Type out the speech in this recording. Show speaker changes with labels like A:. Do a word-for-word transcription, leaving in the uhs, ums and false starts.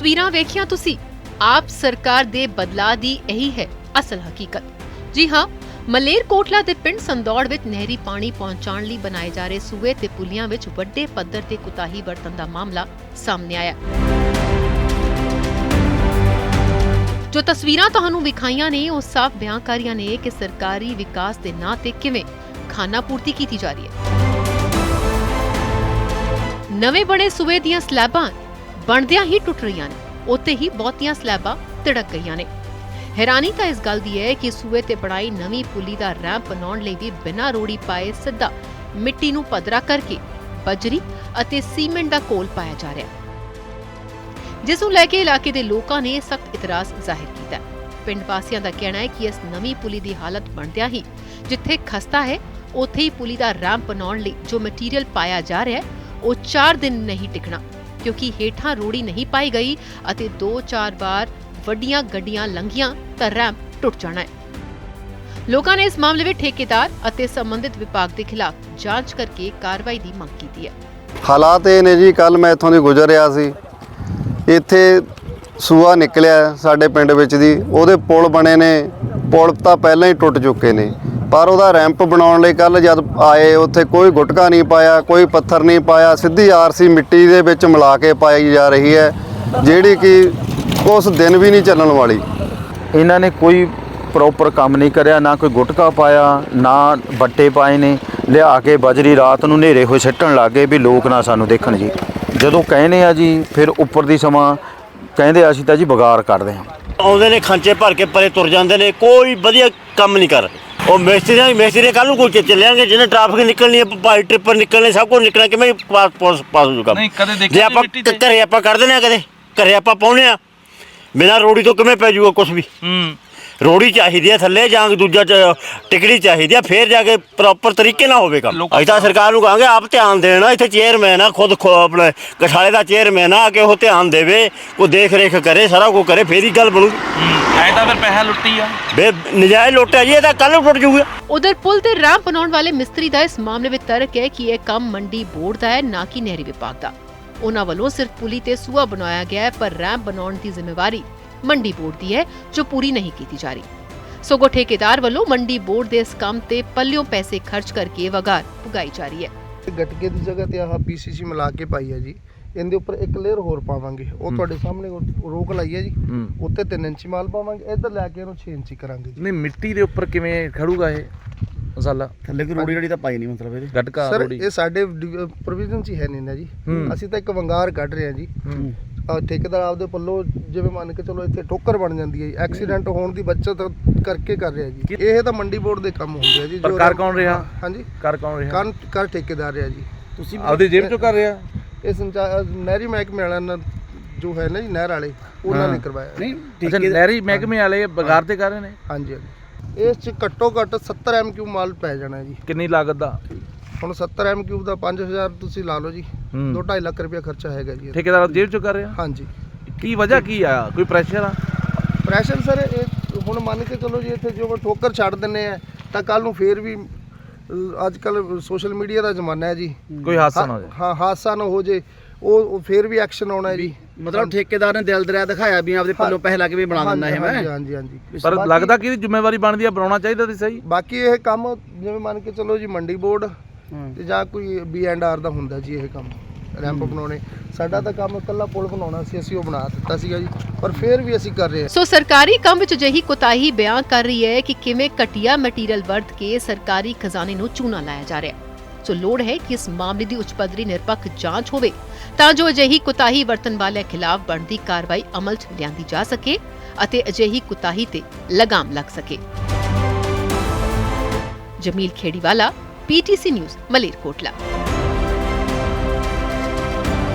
A: ਤਸਵੀਰਾਂ ਵੇਖੀਆਂ ਤੁਸੀਂ, ਆਪ ਸਰਕਾਰ ਦੇ ਬਦਲਾਅ ਦੀ ਇਹੀ ਹੈ ਅਸਲ ਹਕੀਕਤ। ਜੀ ਹਾਂ, ਮਲੇਰਕੋਟਲਾ ਦੇ ਪਿੰਡ ਸੰਦੌੜ ਵਿੱਚ ਨਹਿਰੀ ਪਾਣੀ ਪਹੁੰਚਾਉਣ ਲਈ ਬਣਾਏ ਜਾ ਰਹੇ ਸੂਏ ਤੇ ਪੁਲੀਆਂ ਵਿੱਚ ਵੱਡੇ ਪੱਧਰ ਤੇ ਕੁਤਾਹੀ ਵਰਤਣ ਦਾ ਮਾਮਲਾ ਸਾਹਮਣੇ ਆਇਆ। ਜੋ ਤਸਵੀਰਾਂ ਤੁਹਾਨੂੰ ਵਿਖਾਈਆਂ ਨੇ ਉਹ ਸਾਫ਼ ਬਿਆਨ ਕਰ ਰਹੀਆਂ ਨੇ ਕਿ ਸਰਕਾਰੀ ਵਿਕਾਸ ਦੇ ਨਾਂ ਤੇ ਕਿਵੇਂ ਖਾਨਾ ਪੂਰਤੀ ਕੀਤੀ ਜਾ ਰਹੀ ਹੈ। ਨਵੇਂ ਬਣੇ ਸੂਏ ਦੀਆਂ ਸਲੈਬਾਂ ਬਣਦਿਆਂ ਹੀ ਟੁੱਟ ਰਹੀਆਂ ਨੇ, ਉੱਥੇ ਹੀ ਬਹੁਤੀਆਂ ਸਲੈਬਾਂ ਤਿੜਕ ਗਈਆਂ ਨੇ। ਹੈਰਾਨੀ ਤਾਂ ਇਸ ਗੱਲ ਦੀ ਹੈ ਕਿ ਸੂਏ ਤੇ ਬਣਾਈ ਨਵੀਂ ਪੁਲੀ ਦਾ ਰੈਂਪ ਬਣਾਉਣ ਲਈ ਵੀ ਬਿਨਾਂ ਰੋੜੀ ਪਾਏ ਸਿੱਧਾ ਮਿੱਟੀ ਨੂੰ ਪੱਧਰਾ ਕਰਕੇ ਬਜਰੀ ਅਤੇ ਸੀਮੈਂਟ ਦਾ ਘੋਲ ਪਾਇਆ ਜਾ ਰਿਹਾ, ਜਿਸ ਨੂੰ ਲੈ ਕੇ ਇਲਾਕੇ ਦੇ ਲੋਕਾਂ ਨੇ ਸਖਤ ਇਤਰਾਜ਼ ਜ਼ਾਹਿਰ ਕੀਤਾ। ਪਿੰਡ ਵਾਸੀਆਂ ਦਾ ਕਹਿਣਾ ਹੈ ਕਿ ਇਸ ਨਵੀਂ ਪੁਲੀ ਦੀ ਹਾਲਤ ਬਣਦਿਆਂ ਹੀ ਜਿੱਥੇ ਖਸਤਾ ਹੈ, ਉੱਥੇ ਹੀ ਪੁਲੀ ਦਾ ਰੈਂਪ ਬਣਾਉਣ ਲਈ ਜੋ ਮਟੀਰੀਅਲ ਪਾਇਆ ਜਾ ਰਿਹਾ ਹੈ ਉਹ ਚਾਰ ਦਿਨ ਨਹੀਂ ਟਿਕਣਾ, ਕਿਉਂਕਿ ਹੇਠਾਂ ਰੋੜੀ ਨਹੀਂ ਪਾਈ ਗਈ ਅਤੇ ਦੋ ਚਾਰ ਵਾਰ ਵੱਡੀਆਂ ਗੱਡੀਆਂ ਲੰਘੀਆਂ ਤਾਂ ਰੈਂਪ ਟੁੱਟ ਜਾਣਾ ਹੈ। ਲੋਕਾਂ ਨੇ ਇਸ ਮਾਮਲੇ ਵਿੱਚ ਠੇਕੇਦਾਰ ਅਤੇ ਸੰਬੰਧਿਤ ਵਿਭਾਗ ਦੇ ਖਿਲਾਫ ਜਾਂਚ ਕਰਕੇ ਕਾਰਵਾਈ ਦੀ ਮੰਗ ਕੀਤੀ ਹੈ।
B: ਹਾਲਾਤ ਇਹ ਨੇ ਜੀ, ਕੱਲ ਮੈਂ ਇੱਥੋਂ ਦੀ ਗੁਜ਼ਰ ਰਿਹਾ ਸੀ, ਇੱਥੇ ਸੂਆ ਨਿਕਲਿਆ ਸਾਡੇ ਪਿੰਡ ਵਿੱਚ ਦੀ, ਉਹਦੇ ਪੁਲ ਬਣੇ ਨੇ, ਪੁਲ ਤਾਂ ਪਹਿਲਾਂ ਹੀ ਟੁੱਟ ਚੁੱਕੇ ਨੇ, ਪਰ ਉਹਦਾ ਰੈਂਪ ਬਣਾਉਣ ਲਈ ਕੱਲ ਜਦ ਆਏ ਉੱਥੇ ਕੋਈ ਗੁਟਕਾ ਨਹੀਂ ਪਾਇਆ, ਕੋਈ ਪੱਥਰ ਨਹੀਂ ਪਾਇਆ, ਸਿੱਧੀ ਆਰਸੀ ਮਿੱਟੀ ਦੇ ਵਿੱਚ ਮਿਲਾ ਕੇ ਪਾਈ ਜਾ ਰਹੀ ਹੈ, ਜਿਹੜੀ ਕਿ ਉਸ ਦਿਨ ਵੀ ਨਹੀਂ ਚੱਲਣ ਵਾਲੀ।
C: ਇਹਨਾਂ ਨੇ ਕੋਈ ਪ੍ਰੋਪਰ ਕੰਮ ਨਹੀਂ ਕਰਿਆ, ਨਾ ਕੋਈ ਗੁਟਕਾ ਪਾਇਆ, ਨਾ ਬੱਟੇ ਪਾਏ ਨੇ, ਲਿਆ ਕੇ ਬਜਰੀ ਰਾਤ ਨੂੰ ਹਨੇਰੇ ਹੋਏ ਸਿੱਟਣ ਲੱਗ ਗਏ ਵੀ ਲੋਕ ਨਾ ਸਾਨੂੰ ਦੇਖਣ ਜੀ। ਜਦੋਂ ਕਹਿੰਦੇ ਆ ਜੀ ਫਿਰ ਉੱਪਰ ਦੀ ਸਮਾਂ ਕਹਿੰਦੇ ਅਸੀਂ ਤਾਂ ਜੀ ਬਗਾਰ ਕੱਢਦੇ ਹਾਂ।
D: ਆਉਂਦੇ ਨੇ ਖਾਂਚੇ ਭਰ ਕੇ ਪਰੇ ਤੁਰ ਜਾਂਦੇ ਨੇ, ਕੋਈ ਵਧੀਆ ਕੰਮ ਨਹੀਂ ਕਰ। ਉਹ ਮਿਸਤਰੀਆਂ ਮਿਸਤਰੀ ਕੱਲ੍ਹ ਨੂੰ ਕੋਈ ਚੱਲਿਆਂਗੇ, ਜਿਹਨੇ ਟ੍ਰੈਫਿਕ ਨਿਕਲਣੀ ਹੈ, ਭਾਈ ਟ੍ਰਿਪਰ ਨਿਕਲਣੇ, ਸਭ ਕੁਝ ਨਿਕਲਣਾ, ਕਿਵੇਂ ਪਾਸ ਪਾਸ ਪਾਸ ਹੋ ਜੂਗਾ। ਜੇ ਆਪਾਂ ਘਰੇ ਆਪਾਂ ਕੱਢ ਦਿੰਦੇ ਹਾਂ, ਕਦੇ ਘਰੇ ਆਪਾਂ ਪਾਉਂਦੇ ਹਾਂ, ਬਿਨਾਂ ਰੋੜੀ ਤੋਂ ਕਿਵੇਂ ਪੈ ਜੂਗਾ ਕੁਛ ਵੀ। ਰੋੜੀ ਚਾਹੀਦੀ ਹੈ ਥੱਲੇ, ਜਾਂ ਦੂਜਾ ਟਿਕੜੀ ਚਾਹੀਦੀ ਹੈ, ਫੇਰ ਜਾ ਕੇ ਪ੍ਰੋਪਰ ਤਰੀਕੇ ਨਾਲ ਹੋਵੇ ਕੰਮ। ਅਸੀਂ ਤਾਂ ਸਰਕਾਰ ਨੂੰ ਕਹਾਂਗੇ ਆਪ ਧਿਆਨ ਦੇਣਾ, ਇੱਥੇ ਚੇਅਰਮੈਨ ਆ ਖੁਦ ਆਪਣੇ ਕਠਾਲੇ ਦਾ ਚੇਅਰਮੈਨ ਆ ਕੇ ਉਹ ਧਿਆਨ ਦੇਵੇ, ਕੋਈ ਦੇਖ ਰੇਖ ਕਰੇ, ਸਾਰਾ ਕੁਝ ਕਰੇ, ਫੇਰ ਹੀ ਗੱਲ ਬਣੂ।
E: ਐ ਤਾਂ ਫਿਰ ਪੈਸਾ ਲੁੱਟੀ ਆ,
D: ਬੇ ਨਜਾਇਜ਼ ਲੁੱਟਿਆ ਜੀ, ਇਹ ਤਾਂ ਕੱਲ ਨੂੰ ਟੁੱਟ ਜੂਗਾ।
A: ਉਧਰ ਪੁਲ ਤੇ ਰੈਂਪ ਬਣਾਉਣ ਵਾਲੇ ਮਿਸਤਰੀ ਦਾ ਇਸ ਮਾਮਲੇ ਵਿੱਚ ਤਰਕ ਹੈ ਕਿ ਇਹ ਕੰਮ ਮੰਡੀ ਬੋਰਡ ਦਾ ਹੈ, ਨਾ ਕਿ ਨਹਿਰੀ ਵਿਭਾਗ ਦਾ। ਉਹਨਾਂ ਵੱਲੋਂ ਸਿਰਫ ਪੁਲੀ ਤੇ ਸੂਆ ਬਣਾਇਆ ਗਿਆ ਹੈ, ਪਰ ਰੈਂਪ ਬਣਾਉਣ ਦੀ ਜ਼ਿੰਮੇਵਾਰੀ ਮੰਡੀ ਬੋਰਡ ਦੀ ਹੈ, ਜੋ ਪੂਰੀ ਨਹੀਂ ਕੀਤੀ ਜਾ ਰਹੀ। ਸਗੋਂ ਠੇਕੇਦਾਰ ਵੱਲੋਂ ਮੰਡੀ ਬੋਰਡ ਦੇ ਇਸ ਕੰਮ ਤੇ ਪੱਲਿਓਂ ਪੈਸੇ ਖਰਚ ਕਰਕੇ ਵਗਾਰ ਪੁਗਾਈ ਜਾ ਰਹੀ ਹੈ।
F: ਗਟਕੇ ਦੀ ਜਗ੍ਹਾ ਤੇ ਆਹ ਪੀਸੀਸੀ ਮਿਲਾ ਕੇ ਪਾਈ ਹੈ ਜੀ, ਇਹਦੇ ਉੱਪਰ ਇੱਕ ਲੇਅਰ ਹੋਰ ਪਾਵਾਂਗੇ, ਉਹ ਤੁਹਾਡੇ ਸਾਹਮਣੇ ਰੋਕ ਲਾਈ ਹੈ ਜੀ, ਉੱਤੇ ਤਿੰਨ ਇੰਚੀ ਮਾਲ ਪਾਵਾਂਗੇ, ਇੱਧਰ ਲੈ ਕੇ ਇਹਨੂੰ ਛੇ ਇੰਚੀ ਕਰਾਂਗੇ।
E: ਨਹੀਂ ਮਿੱਟੀ ਦੇ ਉੱਪਰ ਕਿਵੇਂ ਖੜੂਗਾ ਇਹ ਮਸਾਲਾ?
D: ਥੱਲੇ ਕੋਈ ਰੋੜੀ ਰੜੀ ਤਾਂ ਪਾਈ ਨਹੀਂ ਮਤਲਬ ਇਹਦੇ
E: ਗਟਕਾ
F: ਸਰ
E: ਰੋੜੀ
F: ਇਹ ਸਾਡੇ ਪ੍ਰੋਵੀਜ਼ਨ 'ਚ ਹੀ ਹੈ ਨਹੀਂ ਨਾ ਜੀ, ਅਸੀਂ ਤਾਂ ਇੱਕ ਵੰਗਾਰ ਕੱਢ ਰਹੇ ਹਾਂ ਜੀ। ਠੇਕੇਦਾਰ ਆਪਦੇ ਪੱਲੋਂ ਜਿਵੇਂ ਮੰਨ ਕੇ ਚਲੋ ਇੱਥੇ ਠੋਕਰ ਬਣ ਜਾਂਦੀ ਹੈ, ਐਕਸੀਡੈਂਟ ਹੋਣ ਦੀ ਬਚਤ ਕਰਕੇ ਕਰ ਰਿਹਾ ਜੀ। ਇਹ ਤਾਂ ਮੰਡੀ ਬੋਰਡ ਦੇ ਕੰਮ ਹੁੰਦੇ ਆ ਜੀ।
E: ਪਰ ਕਰ ਕੌਣ ਰਿਹਾ?
F: ਹਾਂਜੀ
E: ਕਰ ਕੌਣ ਰਿਹਾ?
F: ਕਰ ਕਰ ਠੇਕੇਦਾਰ ਰਿਹਾ ਜੀ।
E: ਤੁਸੀਂ ਆਪਦੀ ਜੇਬ ਚੋਂ ਕਰ ਰਿਹਾ?
F: ਇਹ ਸੰਚਾਰ ਨਹਿਰੀ ਮਹਿਕਮੇ ਵਾਲਿਆਂ ਨਾਲ ਜੋ ਹੈ ਨਾ ਜੀ, ਨਹਿਰ ਵਾਲੇ, ਉਹਨਾਂ ਨੇ ਕਰਵਾਇਆ।
E: ਨਹੀਂ ਅੱਛਾ, ਨਹਿਰੀ ਮਹਿਕਮੇ ਵਾਲੇ ਬਗਾਰ ਤੇ ਕਰ ਰਹੇ ਨੇ?
F: ਹਾਂਜੀ ਹਾਂਜੀ। ਇਸ 'ਚ ਘੱਟੋ ਘੱਟ ਸੱਤਰ ਐਮ ਕਿਊ ਮਾਲ ਪੈ ਜਾਣਾ ਜੀ।
E: ਕਿੰਨੀ ਲਾਗਤ ਦਾ?
F: ਹੁਣ ਸੱਤਰ ਐਮ ਕਿਊ ਦਾ ਪੰਜ ਹਜ਼ਾਰ ਤੁਸੀਂ ਲਾ ਲਓ ਜੀ, ਦੋ ਢਾਈ ਲੱਖ ਰੁਪਇਆ ਖਰਚਾ ਹੈਗਾ ਜੀ।
E: ਠੇਕੇਦਾਰ ਜੇਬ ਚੋਂ ਕਰ ਰਿਹਾ?
F: ਹਾਂਜੀ।
E: ਕੀ ਵਜ੍ਹਾ ਕੀ ਆ? ਕੋਈ ਪ੍ਰੈਸ਼ਰ ਆ?
F: ਪ੍ਰੈਸ਼ਰ ਸਰ ਇਹ ਹੁਣ ਮੰਨ ਕੇ ਚਲੋ ਜੀ, ਇੱਥੇ ਜੋ ਠੋਕਰ ਛੱਡ ਦਿੰਦੇ ਆ ਤਾਂ ਕੱਲ ਨੂੰ ਫੇਰ ਵੀ ਅੱਜ ਕੱਲ ਸੋਸ਼ਲ ਮੀਡੀਆ ਦਾ ਜ਼ਮਾਨਾ ਹੈ ਜੀ,
E: ਕੋਈ ਹਾਦਸਾ ਨਾ ਹੋ ਜਾਏ।
F: ਹਾਂ ਹਾਦਸਾ ਨਾ ਹੋ ਜੇ, ਉਹ ਫੇਰ ਵੀ ਐਕਸ਼ਨ ਆਉਣਾ ਹੈ ਜੀ।
D: ਮਤਲਬ ਠੇਕੇਦਾਰ ਨੇ ਦਿਲ ਦਰਿਆ ਦਿਖਾਇਆ ਵੀ ਆਪਦੇ ਪੱਲੋਂ ਪੈਸੇ ਲਾ ਕੇ ਵੀ ਬਣਾ ਦਿੰਦਾ ਇਹ। ਮੈਂ
F: ਹਾਂਜੀ ਹਾਂਜੀ।
E: ਪਰ ਲੱਗਦਾ ਕਿ ਇਹਦੀ ਜ਼ਿੰਮੇਵਾਰੀ ਬਣਦੀ ਆ, ਬਣਾਉਣਾ ਚਾਹੀਦਾ ਸੀ ਸਹੀ।
F: ਬਾਕੀ ਇਹ ਕੰਮ ਜਿਵੇਂ ਮੰਨ ਕੇ ਚਲੋ ਜੀ ਮੰਡੀ ਬੋਰਡ ਤੇ ਜਾਂ ਕੋਈ ਬੀ ਐਂਡ ਆਰ ਦਾ ਹੁੰਦਾ ਜੀ ਇਹ ਕੰਮ, ਰੈਂਪ ਬਣਾਉਣੇ। ਸਾਡਾ ਤਾਂ ਕੰਮ ਇਕੱਲਾ ਪੁਲ ਬਣਾਉਣਾ ਸੀ, ਅਸੀਂ ਉਹ ਬਣਾ ਦਿੱਤਾ ਸੀਗਾ ਜੀ, ਪਰ ਫਿਰ ਵੀ ਅਸੀਂ ਕਰ ਰਹੇ ਹਾਂ।
A: ਸੋ ਸਰਕਾਰੀ ਕੰਮ ਵਿੱਚ ਅਜਿਹੀ ਕੁਤਾਹੀ ਬਿਆਨ ਕਰ ਰਹੀ ਹੈ ਕਿ ਕਿਵੇਂ ਘਟੀਆ ਮਟੀਰੀਅਲ ਵਰਤ ਕੇ ਸਰਕਾਰੀ ਖਜ਼ਾਨੇ ਨੂੰ ਚੂਨਾ ਲਾਇਆ ਜਾ ਰਿਹਾ ਹੈ। ਸੋ ਲੋੜ ਹੈ ਕਿ ਇਸ ਮਾਮਲੇ ਦੀ ਉੱਚ ਪੱਧਰੀ ਨਿਰਪੱਖ ਜਾਂਚ ਹੋਵੇ, ਤਾਂ ਜੋ ਅਜਿਹੀ ਕੁਤਾਹੀ ਵਰਤਣ ਵਾਲਿਆਂ ਖਿਲਾਫ ਬਣਦੀ ਕਾਰਵਾਈ ਅਮਲ 'ਚ ਲਿਆਂਦੀ ਜਾ ਸਕੇ ਅਤੇ ਅਜਿਹੀ ਕੁਤਾਹੀ ਤੇ ਲਗਾਮ ਲੱਗ ਸਕੇ। Jameel Kheriwala, PTC news, Malerkotla.